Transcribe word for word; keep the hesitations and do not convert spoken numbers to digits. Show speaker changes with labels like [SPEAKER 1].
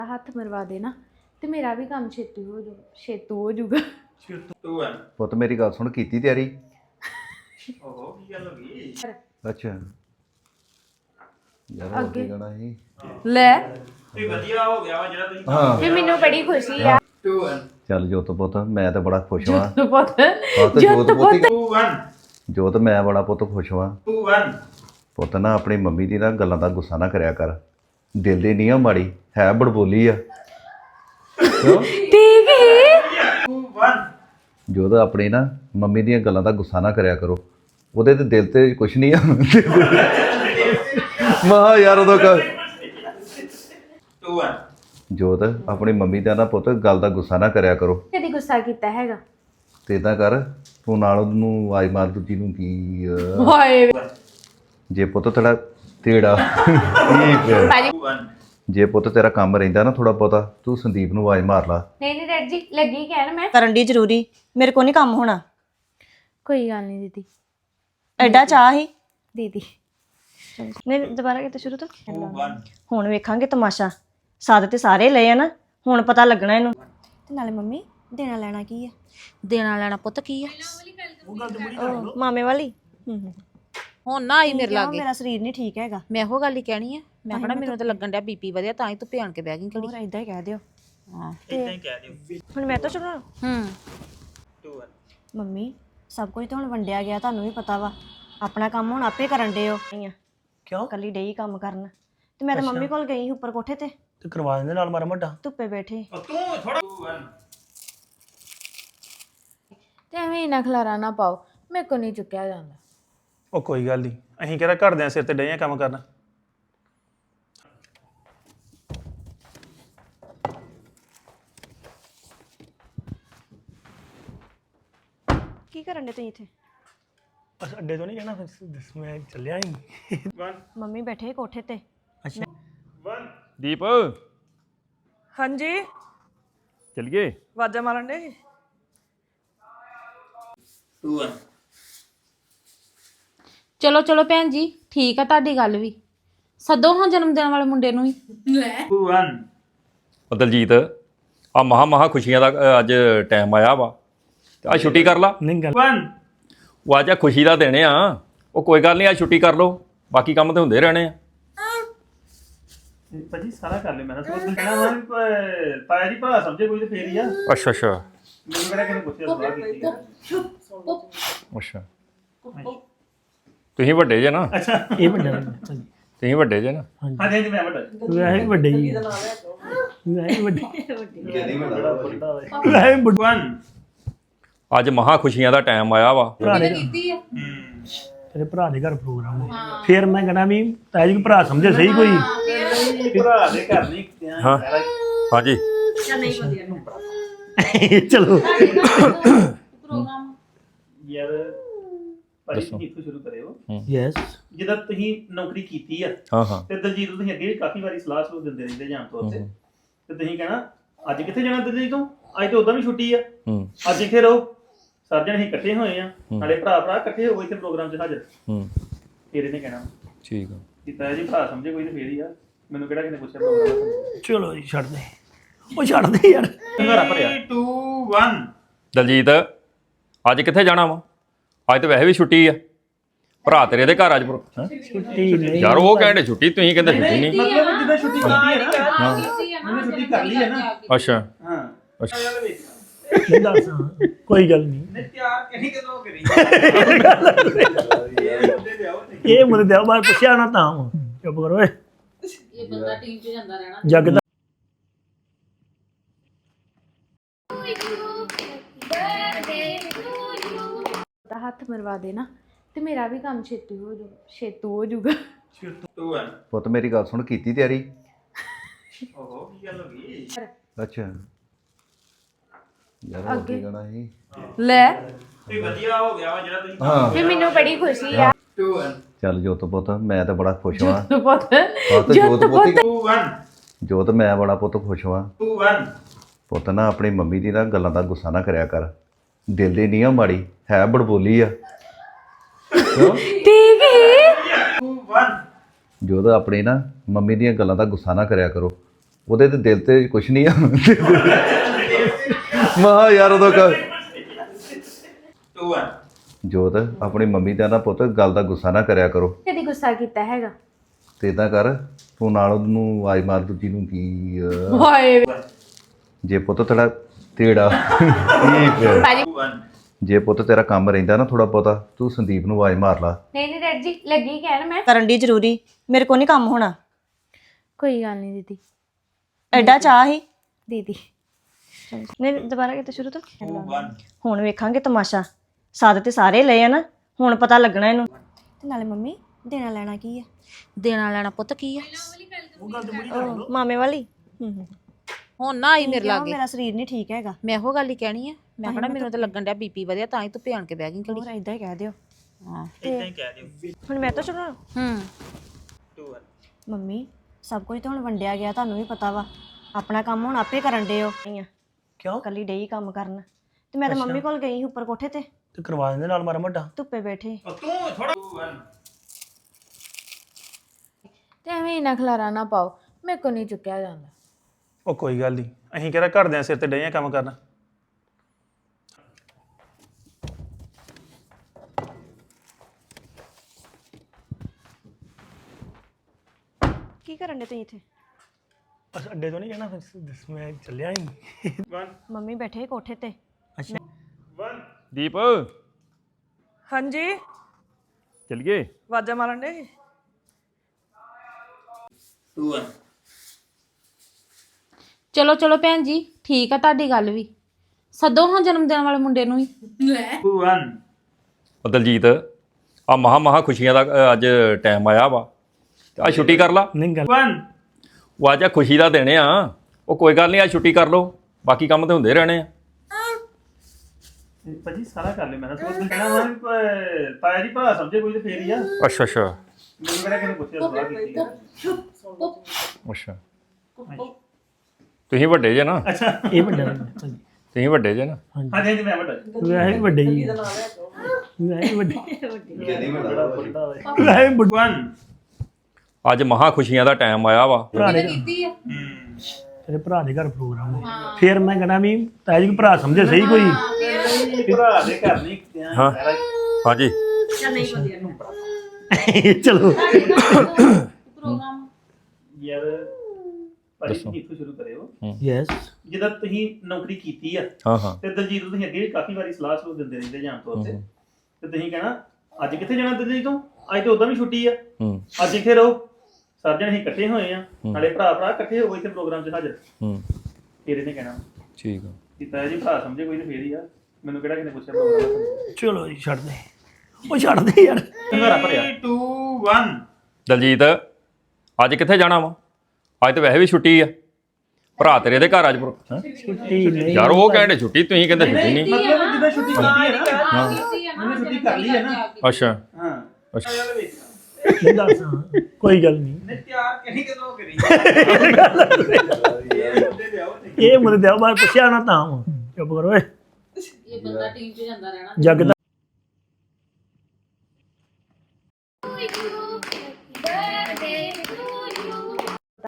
[SPEAKER 1] ਹੱਥ ਮਰਵਾ ਦੇਣਾ ਤੇ ਮੇਰਾ ਵੀ ਕੰਮ ਛੇਤੀ ਹੋ ਜਾਊ ਛੇਤੂ ਹੋ ਜਾਊਗਾ।
[SPEAKER 2] ਪੁੱਤ ਮੇਰੀ ਗੱਲ ਸੁਣ, ਕੀਤੀ ਤਿਆਰੀ?
[SPEAKER 3] ਓਹੋ ਕੀ ਗੱਲ ਹੋ ਗਈ?
[SPEAKER 2] ਅੱਛਾ ਯਾਰ ਹੋਰ ਕੀ ਕਹਿਣਾ ਸੀ?
[SPEAKER 1] ਲੈ
[SPEAKER 3] ਤੇ ਵਧੀਆ ਹੋ ਗਿਆ ਵਾ ਜਿਹੜਾ ਤੁਸੀਂ
[SPEAKER 2] ਹਾਂ
[SPEAKER 1] ਤੇ ਮੈਨੂੰ ਬੜੀ ਖੁਸ਼ੀ ਆ।
[SPEAKER 2] ਚੱਲ ਜੋਤ ਪੁੱਤ, ਮੈਂ ਤਾਂ ਬੜਾ ਖੁਸ਼ ਹਾਂ।
[SPEAKER 1] ਪੁੱਤ
[SPEAKER 2] ਹਾਂ ਤੇ ਜੋਤ ਪੁੱਤ ਹੀ-
[SPEAKER 3] ਟੂ ਵਨ
[SPEAKER 2] ਜੋਤ ਮੈਂ ਬੜਾ ਪੁੱਤ ਖੁਸ਼ ਹਾਂ।
[SPEAKER 3] ਟੂ ਵਨ
[SPEAKER 2] ਪੁੱਤ ਨਾ ਆਪਣੀ ਮੰਮੀ ਦੀ ਨਾ ਗੱਲਾਂ ਦਾ ਗੁੱਸਾ ਨਾ ਕਰਿਆ ਕਰ, ਦਿਲ ਦੀ ਨਹੀਂ ਆ ਮਾੜੀ, ਹੈ ਬੜਬੋਲੀ ਆ। ਕਿਉਂ?
[SPEAKER 1] ਠੀਕ ਹੀ
[SPEAKER 3] ਟੂ ਵਨ
[SPEAKER 2] ਜੋਤ ਆਪਣੀ ਨਾ ਮੰਮੀ ਦੀਆਂ ਗੱਲਾਂ ਦਾ ਗੁੱਸਾ ਨਾ ਕਰਿਆ ਕਰੋ, ਉਹਦੇ ਤੇ ਦਿਲ ਤੇ ਕੁਛ ਨਹੀਂ ਆ। ਮਾ ਯਾਰ ਉਦੋਂ ਕਰ
[SPEAKER 3] ਟੂ ਵਨ
[SPEAKER 2] ਜੋਤ ਆਪਣੀ ਮੰਮੀ ਦਾ ਨਾ ਪੁੱਤ ਗੱਲ ਦਾ ਗੁੱਸਾ ਨਾ ਕਰਿਆ ਕਰੋ।
[SPEAKER 1] ਕਦੀ ਗੁੱਸਾ ਕੀਤਾ ਹੈਗਾ?
[SPEAKER 2] ਤੇ ਇਦਾਂ ਕਰ, ਤੂੰ ਨਾਲ ਉਹਨੂੰ ਆਵਾਜ਼ ਮਾਰ ਦੂਜੀ ਨੂੰ ਕੀ ਆ।
[SPEAKER 1] ਹਾਏ
[SPEAKER 2] ਜੇ ਪੁੱਤ ਤੇਰਾ ਤੇੜਾ ਠੀਕ ਹੈ।
[SPEAKER 1] ਭਾਜੀ
[SPEAKER 3] ਟੂ ਵਨ
[SPEAKER 2] ਜੇ ਪੁੱਤ ਤੇਰਾ ਕੰਮ ਰਹਿੰਦਾ ਨਾ ਥੋੜਾ ਬਹੁਤਾ, ਤੂੰ ਸੰਦੀਪ ਨੂੰ ਆਵਾਜ਼ ਮਾਰ ਲਾ।
[SPEAKER 1] ਨਹੀਂ ਨਹੀਂ ਡੈਡ ਜੀ ਲੱਗੀ ਕਹਿਣ ਮੈਂ।
[SPEAKER 4] ਕਰਨ ਦੀ ਜ਼ਰੂਰੀ, ਮੇਰੇ ਕੋ ਨਹੀਂ ਕੰਮ ਹੋਣਾ।
[SPEAKER 1] ਕੋਈ ਗੱਲ ਨਹੀਂ ਦੀਦੀ।
[SPEAKER 4] ਐਡਾ ਚਾਹ ਹੀ
[SPEAKER 1] ਦੀਦੀ
[SPEAKER 4] ਨਹੀਂ ਦੁਬਾਰਾ ਕਿਤੇ ਸ਼ੁਰੂ ਤੋਂ
[SPEAKER 3] ਟੂ ਵਨ
[SPEAKER 4] ਹੁਣ ਵੇਖਾਂਗੇ ਤਮਾਸ਼ਾ। ਸਾਦ ਤੇ ਸਾਰੇ ਲਏ ਆ ਨਾ, ਹੁਣ ਪਤਾ ਲੱਗਣਾ ਇਹਨੂੰ। ਤੇ ਨਾਲੇ ਮੰਮੀ ਦੇਣਾ ਲੈਣਾ ਕੀ ਆ?
[SPEAKER 5] ਦੇਣਾ ਲੈਣਾ ਪੁੱਤ ਕੀ ਆ?
[SPEAKER 4] ਉਹ ਮਾਮੇ ਵਾਲੀ। ਹੂੰ ਹੂੰ
[SPEAKER 5] ਹੁਣ ਨਾ ਆਈ ਮੇਰੇ ਲਾਗੇ।
[SPEAKER 4] ਮੇਰਾ ਸਰੀਰ ਨਹੀਂ ਠੀਕ ਹੈਗਾ।
[SPEAKER 5] ਮੈਂ ਇਹੋ ਗੱਲ ਹੀ ਕਹਿਣੀ ਆ। ਮੈਂ ਕਹਣਾ ਮੈਨੂੰ ਤਾਂ ਲੱਗਣ ਡਿਆ ਬੀਪੀ ਵਧਿਆ, ਤਾਂ ਹੀ ਤੂੰ ਭਿਆਨ ਕੇ ਬਹਿ ਗਈ ਘੜੀ।
[SPEAKER 4] ਹੋਰ ਇਦਾਂ ਹੀ ਕਹਿ ਦਿਓ।
[SPEAKER 5] ਹਾਂ
[SPEAKER 3] ਇਦਾਂ ਹੀ ਕਹਿ ਦਿਓ।
[SPEAKER 4] ਹੁਣ ਮੈਂ ਤਾਂ ਚਲੋ
[SPEAKER 5] ਹੂੰ
[SPEAKER 3] ਟੂ ਵਨ
[SPEAKER 4] ਮੰਮੀ ਸਭ ਕੁਝ ਤਾਂ ਹੁਣ ਵੰਡਿਆ ਗਿਆ, ਤੁਹਾਨੂੰ ਵੀ ਪਤਾ ਵਾ। ਆਪਣਾ ਕੰਮ ਹੁਣ ਆਪੇ ਕਰਨ ਡਏ ਹੋ।
[SPEAKER 6] ਕਿਉਂ?
[SPEAKER 4] ਕੱਲੀ ਡਈ ਕੰਮ ਕਰਨ। ਤੇ ਮੈਂ ਤਾਂ ਮੰਮੀ ਕੋਲ ਗਈ ਸੀ ਉੱਪਰ ਕੋਠੇ ਤੇ,
[SPEAKER 6] ਤੇ ਕਰਵਾ ਦਿੰਦੇ ਨਾਲ ਮਾਰਾ ਮੱਡਾ।
[SPEAKER 4] ਧੁੱਪੇ ਬੈਠੇ।
[SPEAKER 3] ਤੂੰ ਥੋੜਾ ਟੂ ਵਨ
[SPEAKER 1] ਤੇ ਐਵੇਂ ਇਨਾ ਖਲਾਰਾ ਨਾ ਪਾਓ, ਮੇਰੇ ਕੋ ਨਹੀਂ ਚੁੱਕਿਆ ਜਾਂਦਾ।
[SPEAKER 6] ਉਹ ਕੋਈ ਗੱਲ ਨਹੀਂ, ਅਸੀਂ ਕਿਹੜਾ ਘਰਦਿਆਂ ਸਿਰ ਤੇ ਡਏ ਆ ਕੰਮ ਕਰਨਾ।
[SPEAKER 4] ਕੀ ਕਰਨ ਦੇ ਤੁਸੀਂ ਇੱਥੇ?
[SPEAKER 6] ਬਸ ਅੱਡੇ ਤੋਂ ਨਹੀਂ ਜਾਣਾ, ਫਿਰ ਦੱਸ ਮੈਂ ਚੱਲਿਆ ਹੀ।
[SPEAKER 3] ਵਨ
[SPEAKER 4] ਮੰਮੀ ਬੈਠੇ ਕੋਠੇ ਤੇ।
[SPEAKER 6] ਅੱਛਾ
[SPEAKER 3] ਵਨ
[SPEAKER 7] ਦੀਪ
[SPEAKER 8] ਹਾਂਜੀ
[SPEAKER 7] ਚਲੀਏ।
[SPEAKER 8] ਵਾਜਾ ਮਾਰਨ ਦੇ।
[SPEAKER 3] ਟੂ ਵਨ
[SPEAKER 5] ਚਲੋ ਚਲੋ ਭੈਣ ਜੀ, ਠੀਕ ਆ ਤੁਹਾਡੀ ਗੱਲ ਵੀ। ਸੱਦੋ ਹਾਂ ਜਨਮ ਦਿਨ ਵਾਲੇ ਮੁੰਡੇ ਨੂੰ ਹੀ।
[SPEAKER 3] ਟੂ ਵਨ
[SPEAKER 7] ਉਹ ਦਲਜੀਤ, ਆ ਮਹਾ ਮਹਾ ਖੁਸ਼ੀਆਂ ਦਾ ਅ, ਅੱਜ ਟਾਈਮ ਆਇਆ ਵਾ, ਤੇ ਆ ਛੁੱਟੀ ਕਰ ਲਾ।
[SPEAKER 6] ਨਹੀਂ ਗੱਲ
[SPEAKER 3] ਵਨ
[SPEAKER 7] ਉਹ ਅੱਜ ਆ ਖੁਸ਼ੀ ਦਾ ਦਿਨ ਆ। ਉਹ ਕੋਈ ਗੱਲ ਨਹੀਂ, ਆ ਛੁੱਟੀ ਕਰ ਲਓ, ਬਾਕੀ ਕੰਮ ਤੇ ਹੁੰਦੇ ਰਹਿਣੇ ਆ।
[SPEAKER 3] ਭਾਜੀ ਸਾਰਾ ਕਰ ਲੈ। ਮੈਂ ਤਾਂ ਸੋਚ ਕਹਿਣਾ ਵਾ ਵੀ ਪ- ਤਾਇਆ ਜੀ ਭਰਾ ਸਮਝੇ ਕੋਈ ਤੇ ਫੇਰ ਹੀ ਆ।
[SPEAKER 7] ਅੱਛਾ ਅੱਛਾ
[SPEAKER 3] ਮੈਨੂੰ ਕਿਹੜਾ ਕਿਸੇ ਪੁੱਛਿਆ ਸਲਾਹ ਕੀਤੀ ਆ।
[SPEAKER 7] ਅੱਛਾ ਤੁਸੀਂ ਵੱਡੇ ਜੇ ਨਾ,
[SPEAKER 3] ਅੱਛਾ
[SPEAKER 6] ਇਹ ਵੱਡਾ
[SPEAKER 7] ਤੁਸੀਂ ਵੱਡੇ ਜੇ ਨਾ।
[SPEAKER 3] ਹਾਂਜੀ ਹਾਂਜੀ ਮੈਂ ਵੱਡਾ
[SPEAKER 6] ਵੈਸੇ ਵੱਡੇ ਹੀ ਆ। ਵੈਸੇ ਵੱਡੇ ਵੈਸੇ ਵੱਡੇ
[SPEAKER 3] ਵਨ
[SPEAKER 7] ਅੱਜ ਮਹਾ ਖੁਸ਼ੀਆਂ ਦਾ ਟਾਈਮ ਆਇਆ ਵਾ।
[SPEAKER 6] ਭਰਾ ਦੇ ਤੇਰੇ ਭਰਾ ਦੇ ਘਰ ਪ੍ਰੋਗਰਾਮ ਹੈ। ਫਿਰ ਮੈਂ ਕਹਣਾ ਵੀ ਤਾਇਆ ਜੀ ਭਰਾ ਸਮਝੇ ਸਹੀ ਕੋਈ।
[SPEAKER 3] ਭਰਾ ਦੇ ਘਰ ਨਹੀਂ ਕਿਹਾ
[SPEAKER 7] ਹਾਂ ਹਾਂਜੀ
[SPEAKER 6] ਚਲੋ
[SPEAKER 3] ਯਾਰ ਭਾਜੀ ਤੁਸੀਂ ਇੱਥੋਂ ਸ਼ੁਰੂ ਕਰਿਓ।
[SPEAKER 6] ਯੈਸ
[SPEAKER 3] ਜਿੱਦਾਂ ਤੁਸੀਂ ਨੌਕਰੀ ਕੀਤੀ ਆ
[SPEAKER 7] ਹਾਂ ਹਾਂ
[SPEAKER 3] ਤੇ ਦਲਜੀਤ ਨੂੰ ਤੁਸੀਂ ਅੱਗੇ ਵੀ ਕਾਫੀ ਵਾਰੀ ਸਲਾਹ ਸਲੂਹ ਦਿੰਦੇ ਰਹਿੰਦੇ ਜਾਣ ਤੋਂ ਉੱਤੇ, ਤੇ ਤੁਸੀਂ ਕਹਿਣਾ ਅੱਜ ਕਿੱਥੇ ਜਾਣਾ ਦਲਜੀਤ ਤੋਂ? ਅੱਜ ਤੇ ਉਦਾਂ ਵੀ ਛੁੱਟੀ ਆ,
[SPEAKER 7] ਹੂੰ
[SPEAKER 3] ਅੱਜ ਇੱਥੇ ਰਹੋ। ਸਾਰੇ ਜਣੇ ਅਸੀਂ ਇਕੱਠੇ ਹੋਏ ਆ, ਨਾਲੇ ਭਰਾ ਭਰਾ ਇਕੱਠੇ ਹੋ ਗਏ ਇੱਥੇ ਪ੍ਰੋਗਰਾਮ 'ਚ ਹਾਜ਼ਰ।
[SPEAKER 7] ਹੂੰ
[SPEAKER 3] ਫਿਰ ਇਹਨੇ ਕਹਿਣਾ
[SPEAKER 7] ਠੀਕ ਆ।
[SPEAKER 3] ਕਿ ਤਾਇਆ ਜੀ ਭਰਾ ਸਮਝੇ ਕੋਈ ਤੇ ਫੇਰ ਹੀ ਆ। ਮੈਨੂੰ ਕਿਹੜਾ ਕਿਸੇ ਨੇ ਪੁੱਛਿਆ ਪ੍ਰੋਗਰਾਮ ਦਾ?
[SPEAKER 6] ਚਲੋ ਜੀ ਛੱਡ ਦੇ, ਉਹ ਛੱਡ ਦੇ ਯਾਰ।
[SPEAKER 3] ਘਰਾ ਭਰਿਆ। ਟੂ ਵਨ
[SPEAKER 7] ਦਲਜੀਤ ਅੱਜ ਕਿੱਥੇ ਜਾਣਾ ਵਾ? ਅੱਜ ਤਾਂ ਵੈਸੇ ਵੀ ਛੁੱਟੀ ਆ। ਭਰਾ ਤੇਰੇ ਦੇ ਘਰ ਅੱਜ ਪ੍ਰੋ- ਹੈਂ?
[SPEAKER 6] ਛੁੱਟੀ ਨਹੀਂ
[SPEAKER 7] ਯਾਰ ਉਹ ਕਹਿੰਦੇ ਛੁੱਟੀ, ਤੁਸੀਂ ਕਹਿੰਦੇ ਛੁੱਟੀ ਨਹੀਂ।
[SPEAKER 3] ਮਤਲਬ ਜਿੱਦਾਂ ਛੁੱਟੀ ਕਰਨੀ ਹੈ ਨਾ, ਉਹਨੇ ਛੁੱਟੀ ਕਰ ਲਈ ਹੈ ਨਾ।
[SPEAKER 7] ਅੱਛਾ
[SPEAKER 3] ਹਾਂ
[SPEAKER 7] ਅੱਛਾ
[SPEAKER 6] ਨਹੀਂ ਦੱਸ, ਕੋਈ ਗੱਲ ਨਹੀਂ।
[SPEAKER 3] ਨੇ ਤਿਆਰ ਕਿਹੜੀ ਕਦੋਂ ਕਰੀ
[SPEAKER 6] ਇਹ ਮੁੰਡੇ ਦੇ ਬਾਅਦ ਪੁੱਛਿਆ ਨਾ ਤਾਂ ਵਾ। ਚੁੱਪ ਕਰੋ ਓਏ।
[SPEAKER 5] ਇਹ ਬੰਦਾ ਟੀਮ 'ਚ ਜਾਂਦਾ ਰਹਿਣਾ।
[SPEAKER 6] ਜੱਗ ਦਾ
[SPEAKER 1] ਤਾਂ ਹੱਥ ਮਰਵਾ ਦੇਣਾ ਤੇ ਮੇਰਾ ਵੀ ਕੰਮ ਛੇਤੀ ਹੋ ਜਾਊ ਛੇਤੂ ਹੋ ਜਾਊਗਾ।
[SPEAKER 3] ਟੂ ਵਨ
[SPEAKER 2] ਪੁੱਤ ਮੇਰੀ ਗੱਲ ਸੁਣ, ਕੀਤੀ ਤਿਆਰੀ?
[SPEAKER 3] ਓਹੋ ਕੀ ਗੱਲ ਹੋ ਗਈ?
[SPEAKER 2] ਅੱਛਾ ਯਾਰ ਹੋਰ ਕੀ ਕਹਿਣਾ ਸੀ?
[SPEAKER 1] ਲੈ
[SPEAKER 3] ਤੇ ਵਧੀਆ ਹੋ ਗਿਆ ਵਾ ਜਿਹੜਾ ਤੁਸੀਂ
[SPEAKER 2] ਹਾਂ
[SPEAKER 1] ਤੇ ਮੈਨੂੰ ਬੜੀ ਖੁਸ਼ੀ ਆ।
[SPEAKER 3] ਟੂ ਵਨ
[SPEAKER 2] ਚੱਲ ਜੋਤ ਪੁੱਤ, ਮੈਂ ਤਾਂ ਬੜਾ ਖੁਸ਼ ਹਾਂ।
[SPEAKER 1] ਪੁੱਤ
[SPEAKER 2] ਹਾਂ ਤੇ ਜੋਤ ਪੁੱਤ ਹੀ-
[SPEAKER 3] ਟੂ ਵਨ
[SPEAKER 2] ਜੋਤ ਮੈਂ ਬੜਾ ਪੁੱਤ ਖੁਸ਼ ਹਾਂ।
[SPEAKER 3] ਟੂ ਵਨ
[SPEAKER 2] ਪੁੱਤ ਨਾ ਆਪਣੀ ਮੰਮੀ ਦੀ ਨਾ ਗੱਲਾਂ ਦਾ ਗੁੱਸਾ ਨਾ ਕਰਿਆ ਕਰ, ਦਿਲ ਦੀ ਨਹੀਂ ਆ ਮਾੜੀ, ਹੈ ਬੜਬੋਲੀ ਆ। ਕਿਉਂ?
[SPEAKER 1] ਠੀਕ ਹੀ
[SPEAKER 3] ਟੂ ਵਨ
[SPEAKER 2] ਜੋਤ ਆਪਣੀ ਨਾ ਮੰਮੀ ਦੀਆਂ ਗੱਲਾਂ ਦਾ ਗੁੱਸਾ ਨਾ ਕਰਿਆ ਕਰੋ, ਉਹਦੇ ਤੇ ਦਿਲ ਤੇ ਕੁਛ ਨਹੀਂ ਆ ਮਾ ਯਾਰ ਉਦੋਂ ਕ ਜੋਤ ਆਪਣੀ ਮੰਮੀ ਦਾ ਨਾ ਪੁੱਤ ਗੱਲ ਦਾ ਗੁੱਸਾ ਨਾ ਕਰਿਆ ਕਰੋ।
[SPEAKER 1] ਕਦੀ ਗੁੱਸਾ ਕੀਤਾ ਹੈਗਾ?
[SPEAKER 2] ਤੇ ਇਦਾਂ ਕਰ ਤੂੰ ਨਾਲ ਉਹਨੂੰ ਆਵਾਜ਼ ਮਾਰ ਦੂਜੀ ਨੂੰ ਕੀ ਅਹ,
[SPEAKER 5] ਹਾਏ
[SPEAKER 2] ਜੇ ਪੁੱਤ ਤੇਰਾ ਤੇੜਾ ਜੇ ਪੁੱਤ ਤੇਰਾ ਕੰਮ ਰਹਿੰਦਾ ਨਾ ਥੋੜਾ ਬਹੁਤਾ ਤੂੰ ਸੰਦੀਪ ਨੂੰ ਆਵਾਜ਼ ਮਾਰ ਲਾ।
[SPEAKER 1] ਨਹੀਂ ਨਹੀਂ ਡੈਡ ਜੀ ਲੱਗੀ ਕਹਿਣ ਮੈਂ।
[SPEAKER 4] ਕਰਨ ਦੀ ਜ਼ਰੂਰੀ ਮੇਰੇ ਕੋਲ ਨਹੀਂ ਕੰਮ ਹੋਣਾ।
[SPEAKER 1] ਕੋਈ ਗੱਲ ਨਹੀਂ ਦੀਦੀ।
[SPEAKER 4] ਐਡਾ ਚਾਹ ਹੀ
[SPEAKER 1] ਦੀਦੀ
[SPEAKER 4] ਨਹੀਂ ਦੁਬਾਰਾ ਕਿਤੇ ਸ਼ੁਰੂ ਤੋਂ ਹੁਣ ਵੇਖਾਂਗੇ ਤਮਾਸ਼ਾ। ਸਾਦ ਤੇ ਸਾਰੇ ਲਏ ਆ ਨਾ, ਹੁਣ ਪਤਾ ਲੱਗਣਾ ਇਹਨੂੰ। ਤੇ ਨਾਲੇ ਮੰਮੀ ਦੇਣਾ ਲੈਣਾ ਕੀ ਆ?
[SPEAKER 5] ਦੇਣਾ ਲੈਣਾ ਪੁੱਤ ਕੀ ਆ?
[SPEAKER 4] ਉਹ ਮਾਮੇ ਵਾਲੀ ਹੂੰ ਹੂੰ
[SPEAKER 5] ਹੁਣ ਨਾ ਆਈ ਮੇਰੇ ਲਾਗੇ।
[SPEAKER 4] ਮੇਰਾ ਸਰੀਰ ਨਹੀਂ ਠੀਕ ਹੈਗਾ।
[SPEAKER 5] ਮੈਂ ਇਹੋ ਗੱਲ ਹੀ ਕਹਿਣੀ ਆ। ਮੈਂ ਕਹਣਾ ਮੈਨੂੰ ਤਾਂ ਲੱਗਣ ਡਿਆ ਬੀਪੀ ਵਧਿਆ ਤਾਂ ਹੀ ਤੂੰ ਭਿਆਨ ਕੇ ਬਹਿ ਗਈ ਘੜੀ।
[SPEAKER 4] ਹੋਰ ਇਦਾਂ ਹੀ ਕਹਿ ਦਿਓ।
[SPEAKER 5] ਹਾਂ
[SPEAKER 3] ਇਦਾਂ ਹੀ ਕਹਿ ਦਿਓ।
[SPEAKER 4] ਹੁਣ ਮੈਂ ਤਾਂ ਚਲੋ
[SPEAKER 5] ਹੂੰ
[SPEAKER 4] ਮੰਮੀ ਸਭ ਕੁਝ ਤਾਂ ਹੁਣ ਵੰਡਿਆ ਗਿਆ, ਤੁਹਾਨੂੰ ਵੀ ਪਤਾ ਵਾ। ਆਪਣਾ ਕੰਮ ਹੁਣ ਆਪੇ ਕਰਨ ਦੇ ਹੋ।
[SPEAKER 6] ਕਿਉਂ
[SPEAKER 4] ਕੱਲੀ ਡਈ ਕੰਮ ਕਰਨ। ਤੇ ਮੈਂ ਤਾਂ ਮੰਮੀ ਕੋਲ ਗਈ ਸੀ ਉੱਪਰ ਕੋਠੇ ਤੇ,
[SPEAKER 6] ਤੇ ਕਰਵਾ ਦਿੰਦੇ ਨਾਲ ਮਾਰਾ ਮੱਡਾ।
[SPEAKER 4] ਧੁੱਪੇ ਬੈਠੇ।
[SPEAKER 3] ਤੂੰ ਥੋੜਾ
[SPEAKER 1] ਤੇ ਐਵੇਂ ਇਨਾ ਖਲਾਰਾ ਨਾ ਪਾਓ, ਮੇਰੇ ਕੋ ਨਹੀਂ ਚੁੱਕਿਆ ਜਾਂਦਾ।
[SPEAKER 3] ਉਹ ਕੋਈ ਗੱਲ ਨਹੀਂ, ਅਸੀਂ ਕਿਹੜਾ ਘਰਦਿਆਂ ਸਿਰ ਤੇ ਡਏ ਆ ਕੰਮ ਕਰਨਾ।
[SPEAKER 4] ਕੀ ਕਰਨ ਦੇ ਤੁਸੀਂ ਇੱਥੇ?
[SPEAKER 6] ਬਸ ਅੱਡੇ ਤੋਂ ਨਹੀਂ ਜਾਣਾ ਫਿਰ ਦੱਸ ਮੈਂ ਚੱਲਿਆ ਹੀ।
[SPEAKER 4] ਮੰਮੀ ਬੈਠੇ ਕੋਠੇ ਤੇ।
[SPEAKER 6] ਅੱਛਾ
[SPEAKER 7] ਦੀਪ
[SPEAKER 8] ਹਾਂਜੀ
[SPEAKER 7] ਚੱਲੀਏ।
[SPEAKER 8] ਵਾਜਾ ਮਾਰਨ ਦੇ ਜੀ।
[SPEAKER 5] ਚਲੋ ਚਲੋ ਭੈਣ ਜੀ ਠੀਕ ਆ ਤੁਹਾਡੀ ਗੱਲ ਵੀ। ਸੱਦੋ ਹਾਂ ਜਨਮ ਦਿਨ ਵਾਲੇ ਮੁੰਡੇ ਨੂੰ ਹੀ।
[SPEAKER 7] ਉਹ ਦਲਜੀਤ ਆ ਮਹਾ ਮਹਾ ਖੁਸ਼ੀਆਂ ਦਾ ਅ, ਅੱਜ ਟਾਈਮ ਆਇਆ ਵਾ ਤੇ ਆ ਛੁੱਟੀ ਕਰ ਲਾ।
[SPEAKER 6] ਨਹੀਂ ਗੱਲ
[SPEAKER 7] ਉਹ ਅੱਜ ਆ ਖੁਸ਼ੀ ਦਾ ਦਿਨ ਆ। ਉਹ ਕੋਈ ਗੱਲ ਨਹੀਂ ਆ ਛੁੱਟੀ ਕਰ ਲਓ, ਬਾਕੀ ਕੰਮ ਤੇ ਹੁੰਦੇ ਰਹਿਣੇ ਆ।
[SPEAKER 3] ਭਾਜੀ ਸਾਰਾ ਕਰ ਲੈ। ਮੈਂ ਤਾਂ ਸੋਚ ਕਹਿਣਾ ਵਾ ਵੀ ਪ- ਤਾਇਆ ਜੀ ਭਰਾ ਸਮਝੇ ਕੋਈ ਤੇ ਫੇਰ ਹੀ ਆ।
[SPEAKER 7] ਅੱਛਾ ਅੱਛਾ
[SPEAKER 3] ਮੈਨੂੰ ਕਿਹੜਾ ਕਿਸੇ ਪੁੱਛਿਆ ਸਵਾਲ ਕੀਤੀ ਆ।
[SPEAKER 7] ਅੱਛਾ ਤੁਸੀਂ ਵੱਡੇ ਜੇ ਨਾ।
[SPEAKER 3] ਅੱਛਾ
[SPEAKER 6] ਇਹ ਵੱਡਾ ਹਾਂਜੀ
[SPEAKER 7] ਤੁਸੀਂ ਵੱਡੇ ਜੇ ਨਾ।
[SPEAKER 3] ਹਾਂਜੀ ਹਾਂਜੀ ਮੈਂ ਵੱਡਾ
[SPEAKER 6] ਵੈਸੇ ਵੀ ਵੱਡੇ ਹੀ ਆ। ਵੈਸੇ ਵੀ ਵੱਡੇ
[SPEAKER 3] ਬੜਾ ਵੱਡਾ ਵਾ।
[SPEAKER 6] ਵੈਸੇ ਵੀ ਵੱਡੇ।
[SPEAKER 7] ਅੱਜ ਮਹਾ ਖੁਸ਼ੀਆਂ ਦਾ ਟਾਈਮ ਆਇਆ ਵਾ।
[SPEAKER 6] ਭਰਾ ਦੇ ਤੇਰੇ ਭਰਾ ਦੇ ਘਰ ਪ੍ਰੋਗਰਾਮ ਹੈ। ਫਿਰ ਮੈਂ ਕਹਣਾ ਵੀ ਤਾਇਆ ਜੀ ਭਰਾ ਸਮਝੇ ਸਹੀ ਕੋਈ।
[SPEAKER 3] ਭਰਾ ਦੇ ਘਰ ਨਹੀਂ ਕਿਹਾ
[SPEAKER 7] ਹਾਂ ਹਾਂਜੀ
[SPEAKER 6] ਚਲੋ
[SPEAKER 3] ਯਾਰ ਭਾਜੀ ਕਿੱਥੋਂ ਸ਼ੁਰੂ ਕਰਿਓ?
[SPEAKER 6] ਯੈਸ
[SPEAKER 3] ਜਿੱਦਾਂ ਤੁਸੀਂ ਨੌਕਰੀ ਕੀਤੀ ਆ
[SPEAKER 7] ਹਾਂ ਹਾਂ
[SPEAKER 3] ਤੇ ਦਲਜੀਤ ਨੂੰ ਤੁਸੀਂ ਅੱਗੇ ਵੀ ਕਾਫੀ ਵਾਰੀ ਸਲਾਹ ਸਲੂਹ ਦਿੰਦੇ ਰਹਿੰਦੇ ਜਾਣ ਤੋਂ ਉੱਤੇ। ਤੇ ਤੁਸੀਂ ਕਹਿਣਾ ਅੱਜ ਕਿੱਥੇ ਜਾਣਾ ਦਲਜੀਤ ਤੋਂ? ਅੱਜ ਤੇ ਉਦਾਂ ਵੀ ਛੁੱਟੀ ਆ,
[SPEAKER 7] ਹੂੰ
[SPEAKER 3] ਅੱਜ ਇੱਥੇ ਰਹੋ। ਸਾਰੇ ਜਣੇ ਅਸੀਂ ਇਕੱਠੇ ਹੋਏ ਆ, ਨਾਲੇ ਭਰਾ ਭਰਾ ਇਕੱਠੇ ਹੋ ਗਏ ਇੱਥੇ ਪ੍ਰੋਗਰਾਮ 'ਚ ਹਾਜ਼ਰ।
[SPEAKER 7] ਹੂੰ
[SPEAKER 3] ਫਿਰ ਇਹਨੇ ਕਹਿਣਾ
[SPEAKER 7] ਠੀਕ ਆ।
[SPEAKER 3] ਕਿ ਤਾਇਆ ਜੀ ਭਰਾ ਸਮਝੇ ਕੋਈ ਤੇ ਫੇਰ ਹੀ ਆ। ਮੈਨੂੰ ਕਿਹੜਾ ਕਿਸੇ ਨੇ ਪੁੱਛਿਆ ਪ੍ਰੋਗਰਾਮ
[SPEAKER 6] ਚਲੋ ਜੀ ਛੱਡ ਦੇ ਉਹ ਛੱਡ ਦੇ ਯਾਰ।
[SPEAKER 3] ਘਰਾ ਭਰਿਆ ਟੂ ਵਨ।
[SPEAKER 7] ਦਲਜੀਤ ਅੱਜ ਕਿੱਥੇ ਜਾਣਾ ਵਾ? ਅੱਜ ਤਾਂ ਵੈਸੇ ਵੀ ਛੁੱਟੀ ਆ। ਭਰਾ ਤੇਰੇ ਦੇ ਘਰ ਅੱਜ ਪ੍ਰੋ- ਹੈਂ?
[SPEAKER 6] ਛੁੱਟੀ ਨਹੀਂ
[SPEAKER 7] ਯਾਰ ਉਹ ਕਹਿੰਦੇ ਛੁੱਟੀ, ਤੁਸੀਂ ਕਹਿੰਦੇ ਛੁੱਟੀ ਨਹੀਂ।
[SPEAKER 3] ਮਤਲਬ ਜਿੱਦਾਂ ਛੁੱਟੀ ਕੀਤੀ ਹੈ ਨਾ, ਉਹਨੇ ਛੁੱਟੀ ਕਰ ਲਈ ਹੈ ਨਾ।
[SPEAKER 7] ਅੱਛਾ
[SPEAKER 3] ਹਾਂ
[SPEAKER 7] ਅੱਛਾ
[SPEAKER 6] ਨਹੀਂ ਦੱਸ ਹਾਂ, ਕੋਈ ਗੱਲ ਨਹੀਂ।
[SPEAKER 3] ਤਿਆਰ ਕਿਹੜੀ ਕਦੋਂ ਕਰੀ
[SPEAKER 6] ਇਹ ਮੁੰਡੇ ਦੇ ਬਾਅਦ ਪੁੱਛਿਆ ਨਾ ਤਾਂ ਚੁੱਪ ਕਰੋ ਓਏ।
[SPEAKER 5] ਇਹ ਬੰਦਾ ਟੀਮ 'ਚ ਜਾਂਦਾ ਰਹਿਣਾ।
[SPEAKER 6] ਜੱਗ ਦਾ
[SPEAKER 9] birthday